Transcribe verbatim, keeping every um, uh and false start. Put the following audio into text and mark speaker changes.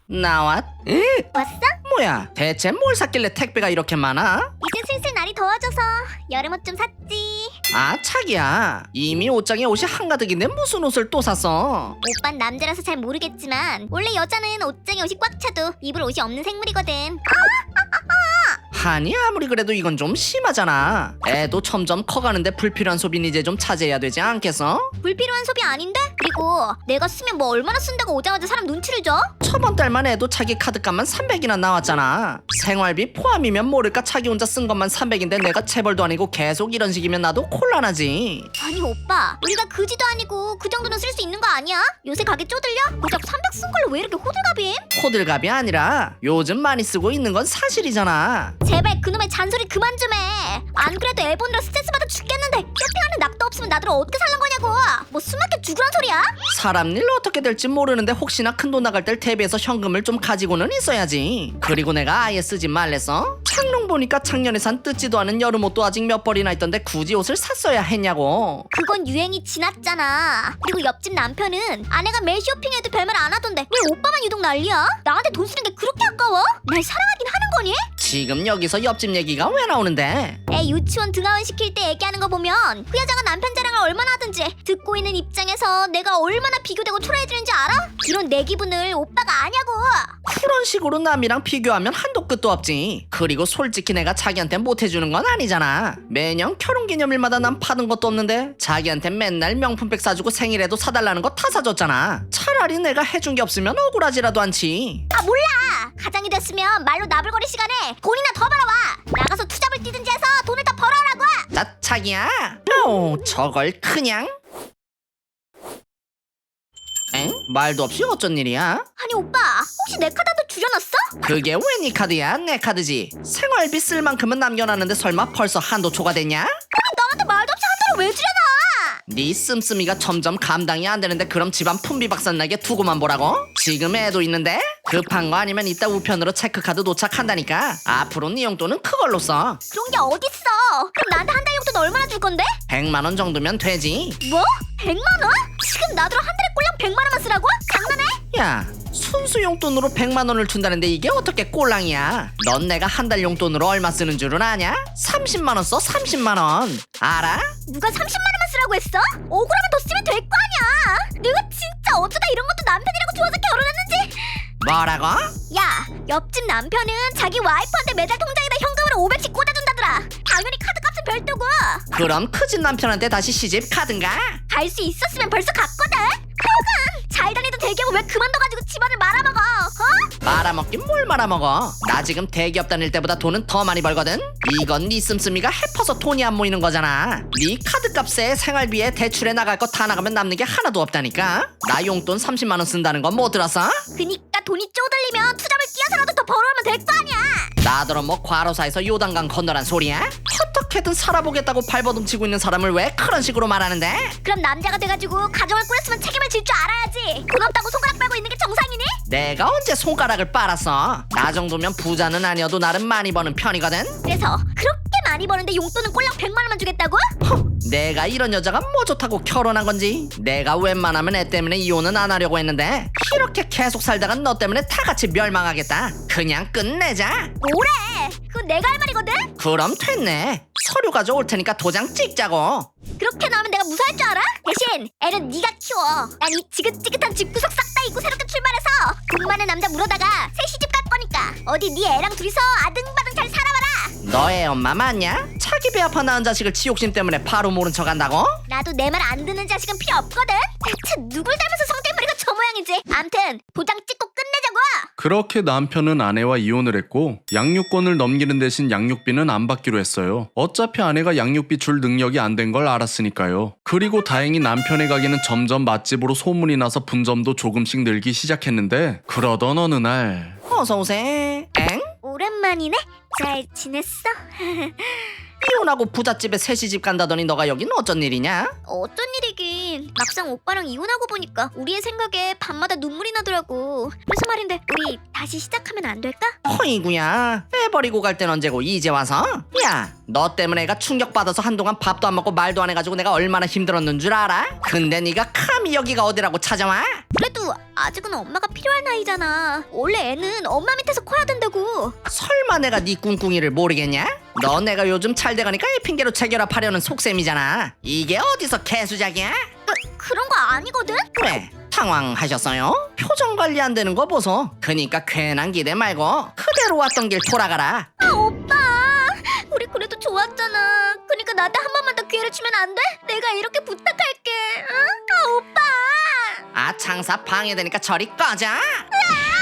Speaker 1: 나왔? 에?
Speaker 2: 왔어?
Speaker 1: 뭐야 대체 뭘 샀길래 택배가 이렇게 많아?
Speaker 2: 이제 슬슬 날이 더워져서 여름옷 좀 샀지.
Speaker 1: 아 차기야 이미 옷장에 옷이 한가득인데 무슨 옷을 또 샀어?
Speaker 2: 오빤 남자라서 잘 모르겠지만 원래 여자는 옷장에 옷이 꽉 차도 입을 옷이 없는 생물이거든.
Speaker 1: 아니 아무리 그래도 이건 좀 심하잖아. 애도 점점 커가는데 불필요한 소비는 이제 좀 자제해야 되지 않겠어?
Speaker 2: 불필요한 소비 아닌데? 그리고 내가 쓰면 뭐 얼마나 쓴다고 오자마자 사람 눈치를 줘?
Speaker 1: 저번 달만 해도 자기 카드값만 삼백이나 나왔잖아. 생활비 포함이면 모를까 자기 혼자 쓴 것만 삼백인데 내가 체벌도 아니고 계속 이런 식이면 나도 곤란하지.
Speaker 2: 아니 오빠 우리가 그지도 아니고 그 정도는 쓸 수 있는 거 아니야? 요새 가게 쪼들려? 고작 삼백 쓴 걸로 왜 이렇게 호들갑임?
Speaker 1: 호들갑이 아니라 요즘 많이 쓰고 있는 건 사실이잖아.
Speaker 2: 제발 그놈의 잔소리 그만 좀 해. 안 그래도 애 보느라 스트레스 받아 죽겠는데 쇼핑하는 낙도 없으면 나들 어떻게 살란 거냐고. 뭐 숨막혀 죽으란 소리야?
Speaker 1: 사람 일 어떻게 될지 모르는데 혹시나 큰 돈 나갈 때 대비해서 현금을 좀 가지고는 있어야지. 그리고 내가 아예 쓰지 말랬어? 창롱 보니까 작년에 산 뜯지도 않은 여름옷도 아직 몇 벌이나 있던데 굳이 옷을 샀어야 했냐고.
Speaker 2: 그건 유행이 지났잖아. 그리고 옆집 남편은 아내가 매 쇼핑해도 별말 안 하던데 왜 오빠만 유독 난리야? 나한테 돈 쓰는 게 그렇게 아까워? 날 사랑하긴 하는 거니?
Speaker 1: 지금 여기서 옆집 얘기가 왜 나오는데?
Speaker 2: 애 유치원 등하원 시킬 때 얘기하는 거 보면 그 여자가 남편 자랑을 얼마나 하든지 듣고 있는 입장에서 내가 얼마나 비교되고 초라해지는지 알아? 그런 내 기분을 오빠가 아냐고.
Speaker 1: 그런 식으로 남이랑 비교하면 한도 끝도 없지. 그리고 솔직히 내가 자기한테 못해주는 건 아니잖아. 매년 결혼기념일마다 난 받은 것도 없는데 자기한테 맨날 명품백 사주고 생일에도 사달라는 거 다 사줬잖아. 차라리 내가 해준 게 없으면 억울하지라도 않지.
Speaker 2: 아 몰라. 가장이 됐으면 말로 나불거릴 시간에 돈이나 더 벌어와. 나가서 투잡을 뛰든지 해서 돈을 더 벌어오라고.
Speaker 1: 나 자기야. 오 저걸 그냥. 엥? 말도 없이 어쩐 일이야?
Speaker 2: 아니 오빠 혹시 내 카드도 줄여놨어?
Speaker 1: 그게 왜 네 카드야? 내 카드지. 생활비 쓸 만큼은 남겨놨는데 설마 벌써 한도 초과됐냐?
Speaker 2: 아니 나한테 말도 없이 한 달을 왜 줄여놔?
Speaker 1: 네 씀씀이가 점점 감당이 안 되는데 그럼 집안 품비박산나게 두고만 보라고? 지금 애도 있는데? 급한 거 아니면 이따 우편으로 체크카드 도착한다니까. 앞으로 네 용돈은 그걸로 써.
Speaker 2: 그런 게 어딨어. 그럼 나한테 한 달 용돈 얼마나 줄 건데?
Speaker 1: 백만 원 정도면 되지.
Speaker 2: 뭐? 백만 원? 지금 나더러 한 달에 꼴랑 백만 원만 쓰라고? 장난해?
Speaker 1: 야 순수 용돈으로 백만 원을 준다는데 이게 어떻게 꼴랑이야? 넌 내가 한 달 용돈으로 얼마 쓰는 줄은 아냐? 삼십만 원 써 삼십만 원. 알아?
Speaker 2: 누가 삼십만 원만 쓰라고 했어? 억울하면 더 쓰면 될 거 아니야. 내가 진짜 어쩌다 이런 것도 남편이라고 좋아서 결혼했는지.
Speaker 1: 뭐라고?
Speaker 2: 야 옆집 남편은 자기 와이프한테 매달 통장에다 현금으로 오백씩 꽂아준다더라. 당연히 카드값은 별도고.
Speaker 1: 그럼 크진 남편한테 다시 시집 가든가?
Speaker 2: 갈 수 있었으면 벌써 갔거든. 하여간 잘 다니던 대기업을 왜 그만둬가지고 집안을 말아먹어. 어?
Speaker 1: 말아먹긴 뭘 말아먹어. 나 지금 대기업 다닐 때보다 돈은 더 많이 벌거든. 이건 네 씀씀이가 해퍼서 돈이 안 모이는 거잖아. 네 카드값에 생활비에 대출에 나갈 거 다 나가면 남는 게 하나도 없다니까. 나 용돈 삼십만 원 쓴다는 건 못 들었어?
Speaker 2: 그니까 돈이 쪼들리면 투잡을 끼어서라도 더 벌어오면 될 거 아니야.
Speaker 1: 나더러 뭐 과로사에서 요단강 건너란 소리야? 어떻게든 살아보겠다고 발버둥치고 있는 사람을 왜 그런 식으로 말하는데?
Speaker 2: 그럼 남자가 돼가지고 가정을 꾸렸으면 책임을 질 줄 알아야지. 돈 없다고 손가락 빨고 있는 게 정상이니?
Speaker 1: 내가 언제 손가락을 빨았어? 나 정도면 부자는 아니어도 나름 많이 버는 편이거든?
Speaker 2: 그래서 그렇게 많이 버는데 용돈은 꼴랑 백만 원만 주겠다고?
Speaker 1: 허, 내가 이런 여자가 뭐 좋다고 결혼한 건지. 내가 웬만하면 애 때문에 이혼은 안 하려고 했는데 이렇게 계속 살다가 너 때문에 다 같이 멸망하겠다. 그냥 끝내자.
Speaker 2: 뭐래? 그건 내가 할 말이거든?
Speaker 1: 그럼 됐네. 서류 가져올 테니까 도장 찍자고.
Speaker 2: 그렇게 나오면 내가 무사할 줄 알아? 대신 애는 네가 키워. 난 이 지긋지긋한 집구석 싹 다 잊고 새롭게 출발해서 돈 많은 남자 물어다가 새 시집 갈 거니까 어디 네 애랑 둘이서 아등바등 잘 살아봐라.
Speaker 1: 너의 엄마 맞냐? 자기 배 아파 낳은 자식을 지욕심 때문에 바로 모른 척 한다고?
Speaker 2: 나도 내 말 안 듣는 자식은 필요 없거든. 대체 누굴 닮아서 성대머리가 저 모양이지? 암튼 도장 찍고 끝내자고.
Speaker 3: 그렇게 남편은 아내와 이혼을 했고 양육권을 넘기는 대신 양육비는 안 받기로 했어요. 어차피 아내가 양육비 줄 능력이 안 된 걸 알았으니까요. 그리고 다행히 남편의 가게는 점점 맛집으로 소문이 나서 분점도 조금씩 늘기 시작했는데 그러던 어느 날
Speaker 1: 어서오세. 엥?
Speaker 2: 오랜만이네. 잘 지냈어?
Speaker 1: 이혼하고 부잣집에 새 시집 간다더니 너가 여긴 어쩐 일이냐?
Speaker 2: 어쩐 일이긴. 대신 막상 오빠랑 이혼하고 보니까 우리의 생각에 밤마다 눈물이 나더라고. 그래서 말인데 우리 다시 시작하면 안 될까?
Speaker 1: 허이구야, 애 버리고 갈 땐 언제고 이제 와서? 야, 너 때문에 애가 충격받아서 한동안 밥도 안 먹고 말도 안 해가지고 내가 얼마나 힘들었는 줄 알아? 근데 네가 감히 여기가 어디라고 찾아와?
Speaker 2: 그래도 아직은 엄마가 필요한 나이잖아. 원래 애는 엄마 밑에서 커야 된다고.
Speaker 1: 설마 내가 네 꿍꿍이를 모르겠냐? 너 내가 요즘 잘 돼가니까 이 핑계로 재결합하려는 속셈이잖아. 이게 어디서 개수작이야?
Speaker 2: 그, 그런 거 아니거든?
Speaker 1: 왜? 당황하셨어요? 표정 관리 안 되는 거 보소. 그니까 괜한 기대 말고 그대로 왔던 길 돌아가라.
Speaker 2: 아 오빠, 우리 그래도 좋았잖아. 그러니까 나한테 한 번만 더 기회를 주면 안 돼? 내가 이렇게 부탁할게. 응? 아 오빠.
Speaker 1: 아, 장사 방해되니까 저리 꺼져.
Speaker 2: 으아!